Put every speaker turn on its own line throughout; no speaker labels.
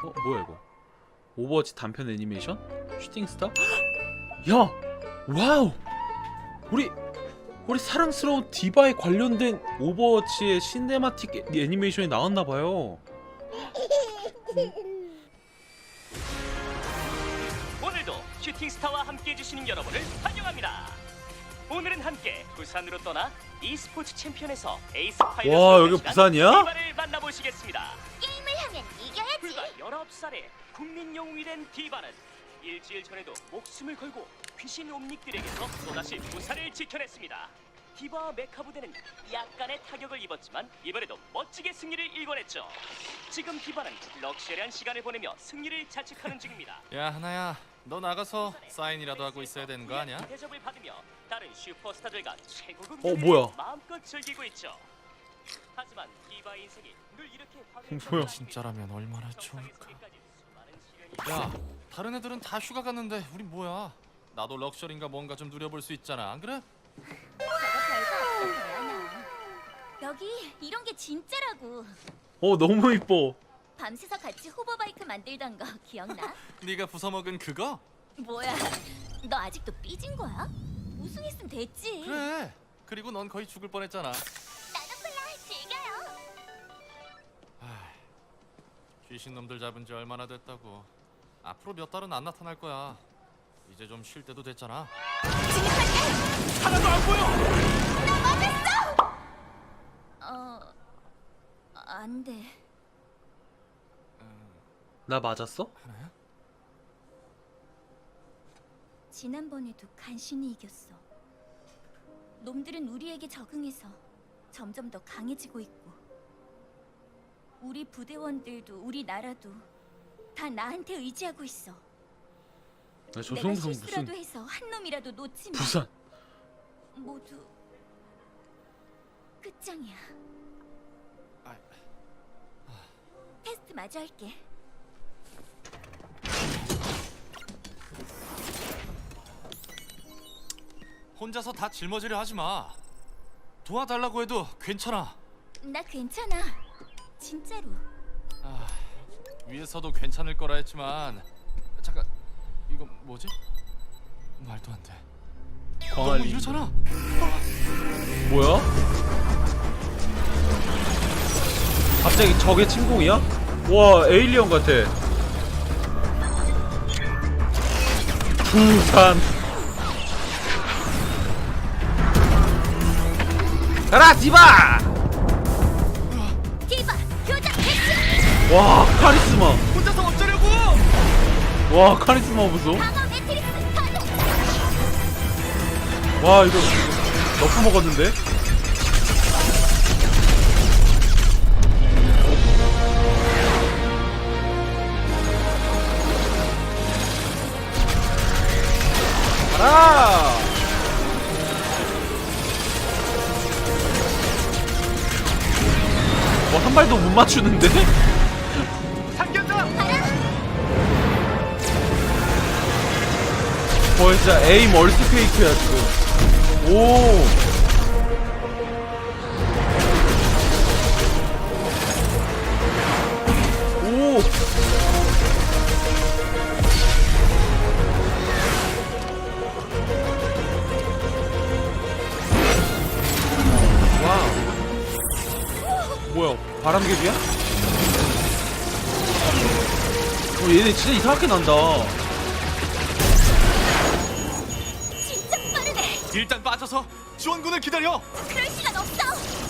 뭐야 이거? 오버워치 단편 애니메이션? 슈팅스타? 야! 와우! 우리 사랑스러운 디바에 관련된 오버워치의 시네마틱 애니메이션이 나왔나봐요.
오늘도 슈팅스타와 함께 해주시는 여러분을 환영합니다. 오늘은 함께 부산으로 떠나 e스포츠 챔피언에서 에이스 파이널
와, 여기 부산이야?
디바를 만나보시겠습니다.
게임을 하면 이겨야지.
불과 19살의 국민 영웅이 된 디바는 일주일 전에도 목숨을 걸고 귀신 옴닉들에게서 또다시 부산을 지켜냈습니다. 디바와 메카 부대는 약간의 타격을 입었지만 이번에도 멋지게 승리를 일궈냈죠. 지금 디바는 럭셔리한 시간을 보내며 승리를 자축하는 중입니다.
야 하나야, 너 나가서 사인이라도 하고 있어야 되는 거 아니야?
대접을 받으며 다른 슈퍼스타들과 최고급
뭐야?
마음껏 즐기고 있죠. 하지만 디바 인생이 늘 이렇게
뭐야?
진짜라면 얼마나 좋을까. 야, 다른 애들은 다 휴가 갔는데 우린 뭐야? 나도 럭셔리인가 뭔가 좀 누려볼 수 있잖아, 안 그래?
저거 별거 없어, 대안아. 여기 이런 게 진짜라고.
너무 이뻐.
밤새서 같이 호버바이크 만들던 거 기억나?
네가 부숴먹은 그거?
뭐야, 너 아직도 삐진 거야? 우승했으면 됐지.
그래. 그리고 넌 거의 죽을 뻔했잖아.
나도 콜라 즐겨요.
귀신 놈들 잡은 지 얼마나 됐다고. 앞으로 몇 달은 안 나타날 거야. 이제 좀 쉴 때도 됐잖아.
하나도 안 보여.
안 돼.
나 맞았어?
하나야?
지난번에도 간신히 이겼어. 놈들은 우리에게 적응해서 점점 더 강해지고 있고, 우리 부대원들도 우리 나라도 다 나한테 의지하고 있어.
저
내가
정도면
실수라도
무슨
해서 한 놈이라도 놓치면
부산?
모두 끝장이야. 테스트 마저 할게.
혼자서 다 짊어지려 하지 마. 도와달라고 해도 괜찮아.
나 괜찮아. 진짜로.
위에서도 괜찮을 거라 했지만 잠깐, 이거 뭐지? 말도 안 돼. 너무
광안리.
이러잖아.
뭐야? 갑자기 적의 침공이야? 와, 에일리언 같아. 부산. 가라, 디바!
디바 교장 배치.
와, 카리스마.
혼자서 어쩌려고?
와, 카리스마 보소.
방어 매트릭스 파동.
와, 이거 너프 먹었는데? 가라! 한 발도 못 맞추는데?
상견자.
진짜 에임 얼스페이크야 지금. 오. 오. 와우. 뭐야, 바람개비야? 얘네 진짜 이상하게 난다.
진짜 빠르네.
일단 빠져서 지원군을 기다려.
그럴 시간 없어.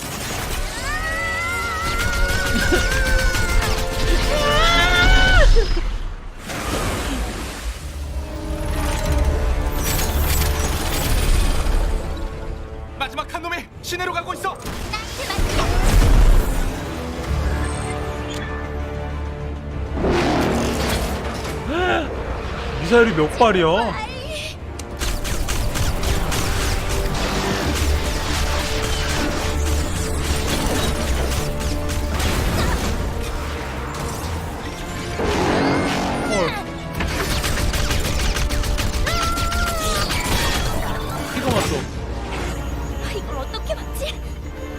마지막 한 놈이 시내로 가고 있어.
나한테 맡겨.
미사일이 몇 발이야?
아이,
헐. 피가 왔어.
이걸 어떻게 막지?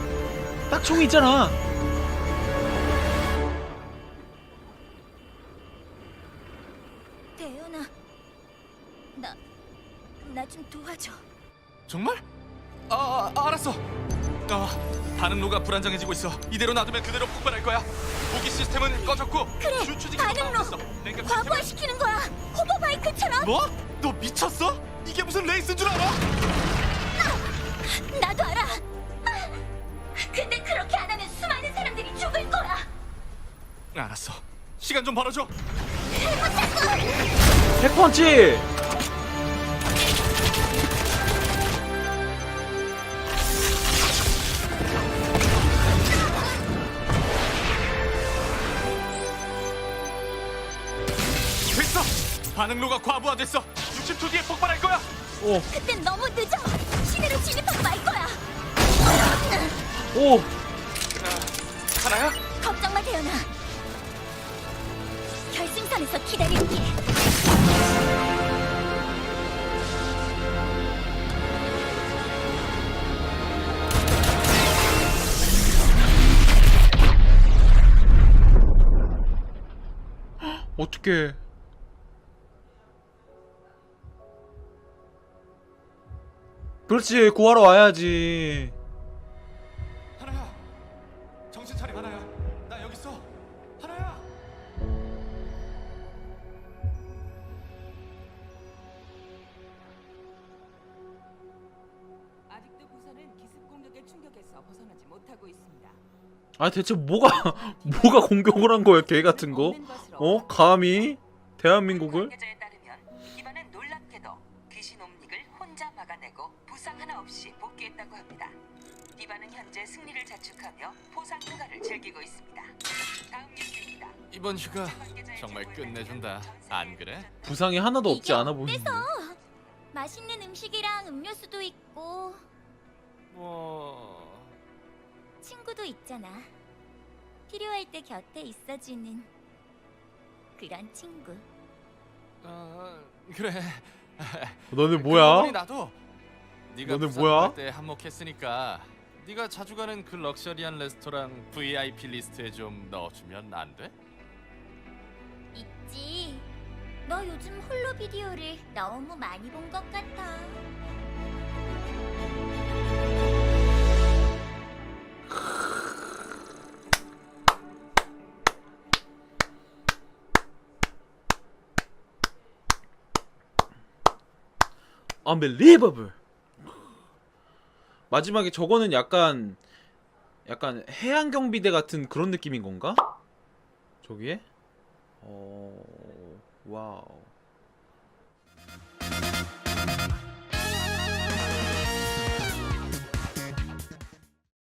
딱 총이 있잖아.
대현아, 나 좀 도와줘.
정말? 알았어. 반응로가 불안정해지고 있어. 이대로 놔두면 그대로 폭발할 거야. 무기 시스템은 꺼졌고
그래,
주추지기
반응로. 과부하시키는 거야. 호버바이크처럼.
뭐? 너 미쳤어? 이게 무슨 레이스인 줄 알아?
나도 알아. 근데 그렇게 안 하면 수많은 사람들이 죽을 거야.
알았어. 시간 좀 벌어줘.
핵펀치!
됐어. 반응로가 과부하됐어. 60초 뒤에 폭발할 거야.
오,
그땐 너무 늦어. 시내로 진입하고 말 거야.
오!
하나야?
걱정 마, 대현아. 결승선에서 기다릴게.
어떡해. 그렇지, 구하러 와야지.
하나야. 정신 차려, 하나야. 나 여기 있어. 하나야.
아직도 부산은 기습 공격의 충격에서 벗어나지 못하고 있습니다.
아, 대체 뭐가 공격을 한 거야, 개 같은 거? 어? 감히? 대한민국을?
관계자에 따르면 기반은 놀랍게도 귀신 옴닉을 혼자 막아내고 부상 하나 없이 복귀했다고 합니다. 디바는 현재 승리를 자축하며 포상 휴가를 즐기고 있습니다. 다음 뉴스입니다.
이번 휴가 정말 끝내준다. 안 그래?
부상이 하나도 없지
이게
않아 보이는데.
맛있는 음식이랑 음료수도 있고 친구도 있잖아. 필요할 때 곁에 있어주는 그런 친구.
그래.
너네
그러고
뭐야?
보니 나도 네가
너네
부산
뭐야?
갈 때 한몫했으니까 네가 자주 가는 그 럭셔리한 레스토랑 VIP 리스트에 좀 넣어주면 안 돼?
있지. 너 요즘 홀로 비디오를 너무 많이 본 것 같아.
Unbelievable. 마지막에 저거는 약간 해양 경비대 같은 그런 느낌인 건가? 저기에? 와우.